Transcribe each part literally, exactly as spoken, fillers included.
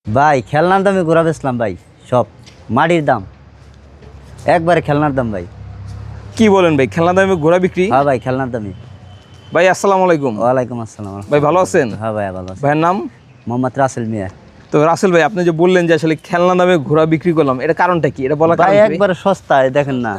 ভাই খেলনার দামে ঘোরা বেচলাম ভাই, সব মাটির দাম, একবারে খেলনার দাম ভাই। কি বলেন ভাই, খেলনা দামে ঘোড়া বিক্রি? হ্যাঁ ভাই, খেলনার দামে। ভাই আসসালামু আলাইকুম। ওয়ালাইকুম আসসালাম। ভাই ভালো আছেন? হ্যাঁ ভাই ভালো আছি। ভাইয়ের নাম? মোহাম্মদ রাসেল মিয়া। তো রাসেল ভাই, আপনি যে বললেন যে আসলে খেলনা দামে ঘোড়া বিক্রি করলাম, এটা কারণটা কি? এটা বলা ভাই কারণ কি ভাই? একবারে সস্তা, এই দেখেন না,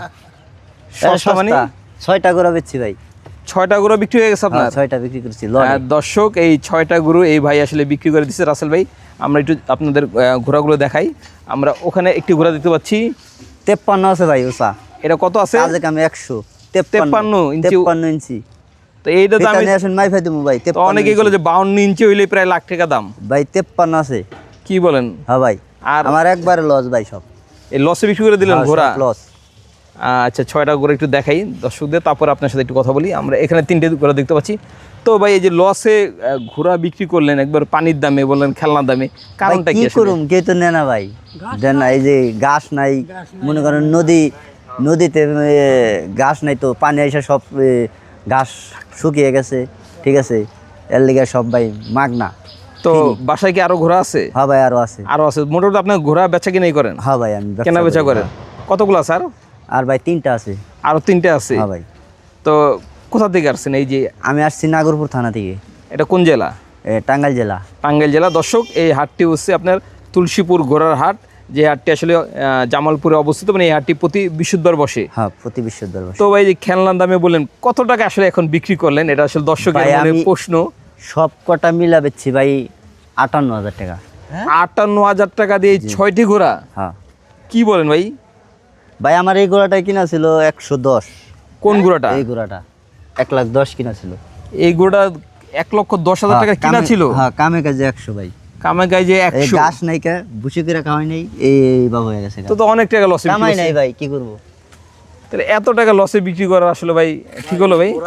সস্তা মানে? ছয়টা ঘোরা বেচছি ভাই। ছয়টা গরু বিক্রি হয়ে গেছে আপনার? হ্যাঁ, ছয়টা বিক্রি করছি। হ্যাঁ, দর্শক, এই ছয়টা গরু এই ভাই আসলে বিক্রি করে দিচ্ছে রাসেল ভাই। আমরা একটু আপনাদের আহ, ঘোড়াগুলো দেখাই। আমরা ওখানে একটি ঘোড়া দেখতে পাচ্ছি, তেপ্পান্ন আছে ভাই ওসা। এটা কত আছে? আজকে আমি একশো তেপ্পান্ন ইঞ্চি। তেপ্পান্ন ইঞ্চি। তো এইটা তো আমি আসেন মাই ফাই দেবো ভাই। তো অনেকেই বলে যে বাউন্ন ইঞ্চি হইলে প্রায় লাখ টাকা দাম। ভাই তেপ্পান্ন আছে। কি বলেন? হ্যাঁ ভাই, আর আমার একবারে লস ভাই, সব এই লসে বিক্রি করে দিলেন ঘোড়া? লস। আচ্ছা, ছয়টা করে একটু দেখাই দর্শকদের, তারপর আপনার সাথে একটু কথা বলি। আমরা এখানে তিনটে ঘোড়া দেখতে পাচ্ছি। তো ভাই, এই যে লসে ঘোড়া বিক্রি করলেন একবার পানির দামে, বললেন খেলনার দামে, কারণটা কি? কি করুম, কে তো নেয় না ভাই, দেন না। এই যে ঘাস নাই, মনে করেন নদী, নদীতে এ, ঘাস নাই, তো পানি এসে সব এ, ঘাস শুকিয়ে গেছে, ঠিক আছে, এর লিগে সব ভাই মাগনা। তো বাসায় কি আরো ঘোড়া আছে? হ্যাঁ ভাই, আরো আছে। আরো আছে? মোটামুটি আপনার ঘোড়া বেচা কিনাই করেন? হ্যাঁ ভাই, আমি কেনা বেচা করেন। কতগুলো স্যার? আর ভাই তিনটা আছে। আরো তিনটে আছে? হ্যাঁ ভাই। তো কোথা থেকে আসছেন? এই যে আমি আসছি নাগরপুর থানা থেকে। এটা কোন জেলা? এ, টাঙ্গাইল জেলা। টাঙ্গাইল জেলা। দর্শক, এই হাটটি হচ্ছে আপনার তুলসীপুর ঘোড়ার হাট, যে হাটটি আসলে আহ, জামালপুরে অবস্থিত। মানে এই হাটটি প্রতি বৃহস্পতিবার বসে। হ্যাঁ, প্রতি বিশ্ববিদ্যালয়। তো ভাই, যে খেলনার দামে বললেন, কত টাকা আসলে এখন বিক্রি করলেন? এটা আসলে দর্শকের ভাই, মনে আমি- প্রশ্ন। সব কটা মিলা বেচছি ভাই আটান্ন হাজার টাকা। আটান্ন হাজার টাকা দিয়ে এই ছয়টি ঘোড়া? হ্যাঁ কি বলেন ভাই? ভাই, আমার এই ঘোড়াটা কিনা ছিল একশো দশ। কোন ঘোড়াটা? এই ঘোড়াটা এক লাখ দশ কিনা ছিল। এই ঘোড়া এক লক্ষ দশ হাজার টাকা কিনা ছিল? হ্যাঁ, কামে কাজে একশো ভাই। কামে গায়ে যে এই একশো? গাছ নাই কা, বুসি করে খাওয়াই নাই, এই বাবু হয়ে গেছে। তো তো অনেক টাকা লসে কামাই নাই ভাই, কি করবো? তাহলে এত টাকা লসে বিক্রি করা আসলে ভাই ঠিক হলো ভাই?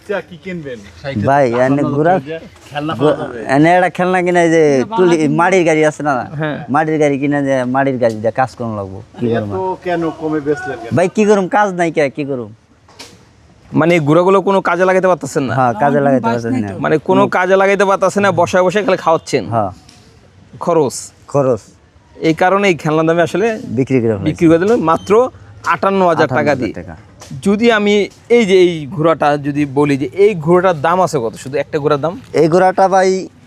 ভাই এনে ঘোড়া, এনে একটা খেলনা কিনা, যে তুলি মাটির গাড়ি আছে না, হ্যাঁ। মাটির গাড়ি কিনা, যে মাটির গাড়ি দিয়ে কাজ করুন লাগবো। কি করবো কেন কমে বেচলেন? ভাই, কি করুম, কাজ নাই কে, কি করুম? মানে এই ঘোড়াগুলো কোনো কাজে লাগাইতে পারতেছেন না? হ্যাঁ, কাজে লাগাইতে পারছেন না। মানে কোনো কাজে লাগাইতে পারতেছেন না, বসায় বসে খালি খাওয়াচ্ছেন, হ্যাঁ, খরচ। খরচ। এই কারণে এই খেলনা দামে আসলে বিক্রি করে ফেলেছি। বিক্রি করে দিলেন মাত্র আটান্ন হাজার টাকা দিয়ে। টাকা। যদি আমি এই যে এই ঘোড়াটা যদি বলি, যে এই ঘোড়াটার দাম আছে কত? শুধু একটা ঘোড়ার দাম? এই ঘোড়াটা ভাই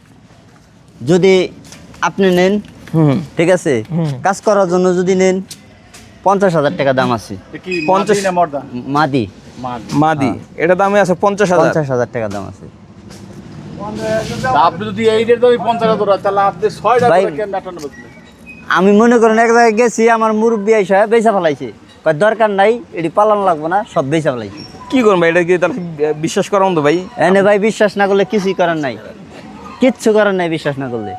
যদি আপনি নেন, হুম। ঠিক আছে, কাজ করার জন্য যদি নেন, পঞ্চাশ হাজার টাকা দাম আছে। কি পঞ্চাশ? মাদি না মর্দা? মাদি। মাদি, এটা দামে আছে পঞ্চাশ হাজার? পঞ্চাশ হাজার টাকা দাম আছে। তা আপনি যদি এই রেট দামে পঞ্চাশ হাজার টাকা, তাহলে আপনি ছয় টাকা ভাই- করে কেন আটান্ন বেচলেন? আমি মনে করেন এক জায়গায় গেছি, আমার মুরব্বী আইসা বেচা ফেলাইছে, কয় দরকার নাই, এটি পালন লাগবো না, সব বেচা ফেলাইছে। কি করুন ভাই, এটা কি তাহলে বিশ্বাস করার মতো ভাই? এনে ভাই বিশ্বাস না করলে কিছুই করার নাই, কিচ্ছু করার নাই বিশ্বাস না করলে।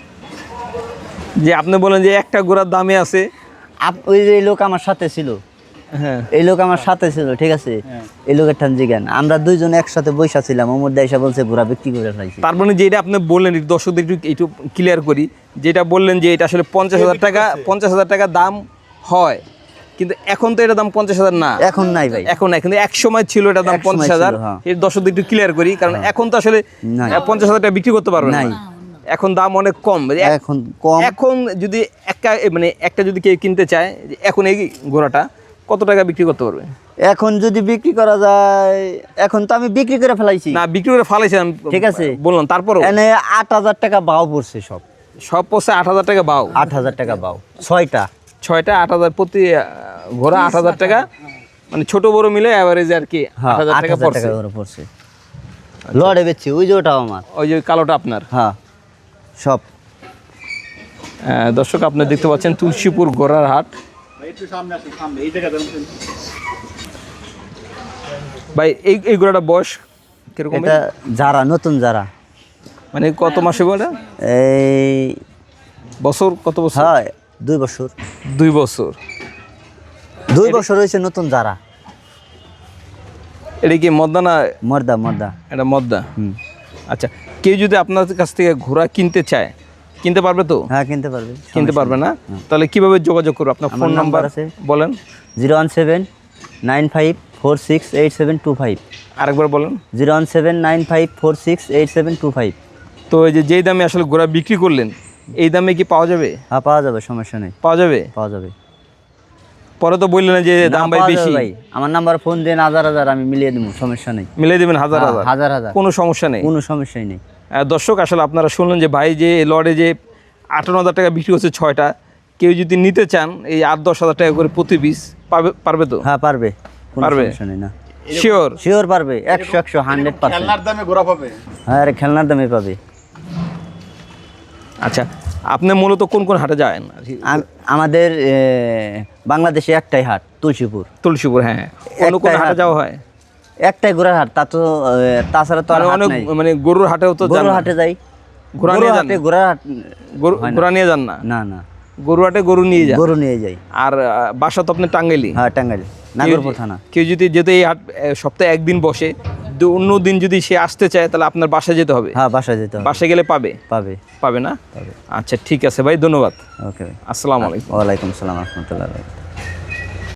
যে আপনি বলেন যে একটা ঘোড়ার দামে আছে। আপ- ওই যে এই লোক আমার সাথে ছিল, হ্যাঁ। এই লোক আমার সাথে ছিল, ঠিক আছে, এই লোকের ঠান জিজ্ঞান, আমরা দুইজন একসাথে বৈশা ছিলাম, ওমর দেশা বলছে ঘোড়া বিক্রি করে ফেলাইছি। তার মানে যেটা আপনি বললেন, একটু দর্শকদের একটু একটু ক্লিয়ার করি, যেটা বললেন যে এটা আসলে পঞ্চাশ হাজার টাকা, পঞ্চাশ হাজার টাকা দাম হয়, কিন্তু এখন তো এটা দাম পঞ্চাশ হাজার না। এখন নাই ভাই, এখন না, কিন্তু এক সময় ছিল এটা দাম এক সময় পঞ্চাশ হাজার। ছিল, হ্যাঁ। এর দর্শকদের একটু ক্লিয়ার করি, কারণ এখন তো আসলে নাই। পঞ্চাশ হাজার টাকা বিক্রি করতে পারবে না, নাই। এখন দাম অনেক কম। এখন কম। এখন যদি একটা মানে একটা যদি কেউ কিনতে চায়, যে এখন এই ঘোড়াটা কত টাকা বিক্রি করতে পারবে? এখন যদি বিক্রি করা যায়, এখন তো আমি বিক্রি করে ফেলাইছি, না, বিক্রি করে ফালাইছেন, ঠিক আছে, বললাম, তারপরও এনে আট হাজার টাকা বাও পড়ছে, সব সব পড়ছে আট হাজার টাকা বাও। আট হাজার টাকা বাও, ছয়টা ছয়টা আট হাজার প্রতি আহ, ঘোড়া আট হাজার টাকা, মানে ছোট বড় মিলে অ্যাভারেজ আর কি হ্যাঁ, আট হাজার আট টাকা হাজার পড়ছে। টাকা করে পড়ছে। লড়ে বেচছি, ওই যে ওটাও আমার। ওই যে কালোটা আপনার? হ্যাঁ, সব। আহ, দর্শক, আপনি দেখতে পাচ্ছেন তুলসীপুর ঘোড়ার হাট। ভাই, একটু সামনে আসুন, সামনে এই জায়গায় দাঁড়ান। ভাই, এই এই ঘোড়াটা বয়স কিরকম? এটা যারা নতুন যারা, মানে কত মাসে বলে? এই বছর কত বছর? হ্যাঁ, দুই বছর। দুই বছর। দুই বছর হয়েছে নতুন যারা। এটা কি মদ্দা না? মর্দা, মর্দা। এটা মদ্দা। হুম। আচ্ছা, কেউ যদি আপনার কাছ থেকে ঘোড়া কিনতে চায়, কিনতে পারবে তো? হ্যাঁ, কিনতে পারবে। কিনতে পারবে না? তাহলে কিভাবে যোগাযোগ করবে? আপনার আমার ফোন নাম্বার নাম্বার আছে। বলেন। Zero one seven nine five four six eight seven two five. আরেকবার বলেন। Zero one seven nine five four six eight seven two five. তো এই যে যেই দামে আসলে ঘোড়া বিক্রি করলেন, এই দামে কি পাওয়া যাবে? হ্যাঁ পাওয়া যাবে, সমস্যা নেই, পাওয়া যাবে? পাওয়া যাবে। পরে তো বললেন যে দাম না, ভাই পাওয়া যাবে বেশি। ভাই, আমার নাম্বার ফোন দেন, হাজার হাজার আমি মিলিয়ে দেবো, সমস্যা নেই। মিলাই দেবেন হাজার হ্যাঁ, হাজার? হাজার হাজার, কোনো সমস্যা নেই। কোনো সমস্যাই নেই। আহ, দর্শক আসলে আপনারা শুনলেন যে ভাই যে লড়ে যে আটান্ন হাজার টাকা বিক্রি হচ্ছে ছয়টা, কেউ যদি নিতে চান এই আট দশ হাজার টাকা করে প্রতি পিস পাবে, পারবে তো? হ্যাঁ পারবে, কোনো পারবে? সমস্যা নেই। না শিওর? শিওর পারবে, একশো একশো হান্ড্রেড পার্সেন্ট। খেলনার দামে ঘোরা পাবে। হ্যাঁ আরে খেলনার দামে পাবে। আচ্ছা, আপনি মূলত কোন কোন হাটে যান? আম- আমাদের এ, বাংলাদেশে একটাই হাট, তুলসীপুর। তুলসীপুর, হ্যাঁ। অন্য কোন একটাই হাটে হাট। যাওয়া হয়? একটাই ঘোড়ার হাট, তা তো এ, তাছাড়া তো আর মানে হাট অনেক নাই। মানে গরুর হাটেও তো যান গরুর না? হাটে যাই, ঘোড়া গরুর নিয়ে যান? হাটে ঘোড়ার হাট গরু হয় না। ঘোড়া নিয়ে যান না? না না, গরু হাটে গরু নিয়ে যান। গরু নিয়ে যাই। আর আহ, বাসা তো আপনি টাঙ্গাইলি? হ্যাঁ টাঙ্গাইল, কেউ নাগরপুর যদি- থানা। কেউ যদি যেতে এই হাট আহ, সপ্তাহে একদিন বসে, তো অন্য দিন যদি সে আসতে চায় তাহলে আপনার বাসায় যেতে হবে? হ্যাঁ বাসায় যেতে হবে। বাসায় গেলে পাবে? পাবে। পাবে না? আচ্ছা ঠিক আছে ভাই, ধন্যবাদ। ওকে ভাই, আসসালামু আলাইকুম। ওয়ালাইকুম আসসালাম রহমতুল্লাহ।